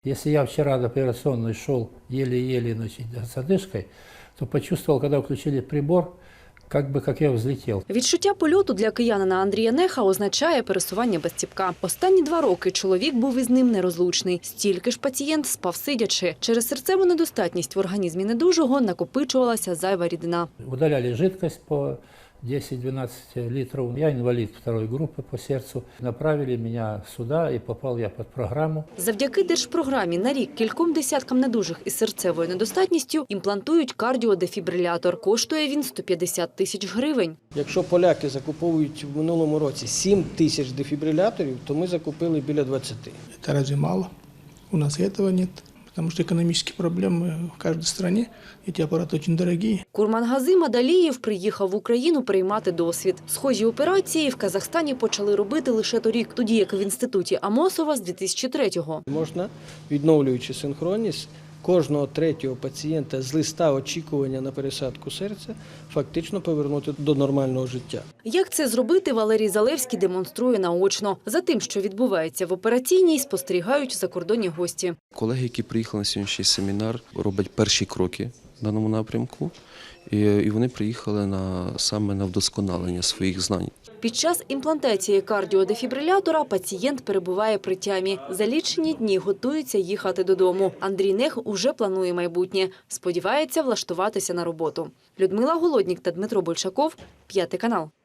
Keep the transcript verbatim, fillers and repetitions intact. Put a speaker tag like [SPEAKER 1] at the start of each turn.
[SPEAKER 1] Если я вчера до операционной шел еле-еле, значит, с одышкой, то почувствовал, когда включили прибор, как бы как я взлетел.
[SPEAKER 2] Відчуття польоту для киянина Андрія Неха означає пересування без ціпка. Останні два роки чоловік був із ним нерозлучний. Стільки ж пацієнт спав сидячи. Через серцеву недостатність в організмі недужого накопичувалася зайва рідина.
[SPEAKER 1] Удаляли жидкость по десять-двенадцать литров. Я инвалид второй группы по сердцу. Направили меня сюда, и попал я под программу.
[SPEAKER 2] Завдяки держпрограмі на рік кільком десяткам недужих із серцевою недостатністю імплантують кардіодефібрилятор. Коштує він сто п'ятдесят тисяч гривень.
[SPEAKER 3] Якщо поляки закуповують в минулому році сім тисяч дефібриляторів, то ми закупили біля двадцяти.
[SPEAKER 4] Это разве мало? У нас и этого нет. Потому что экономические проблемы в каждой стране, эти аппараты очень дорогие.
[SPEAKER 2] Курмангазим Адалієв приїхав в Україну приймати досвід. Схожі операції в Казахстані почали робити лише торік, тоді як в інституті Амосова з дві тисячі третього.
[SPEAKER 3] Можна, відновлюючи синхронність, кожного третього пацієнта з листа очікування на пересадку серця фактично повернути до нормального життя.
[SPEAKER 2] Як це зробити, Валерій Залевський демонструє наочно. За тим, що відбувається в операційній, спостерігають закордонні гості.
[SPEAKER 5] Колеги, які приїхали на сьогоднішній семінар, роблять перші кроки в даному напрямку, і, і вони приїхали на, саме на вдосконалення своїх знань.
[SPEAKER 2] Під час імплантації кардіодефібрилятора пацієнт перебуває при тямі. За лічені дні готується їхати додому. Андрій Нех уже планує майбутнє. Сподівається влаштуватися на роботу. Людмила Голоднік та Дмитро Большаков, П'ятий канал.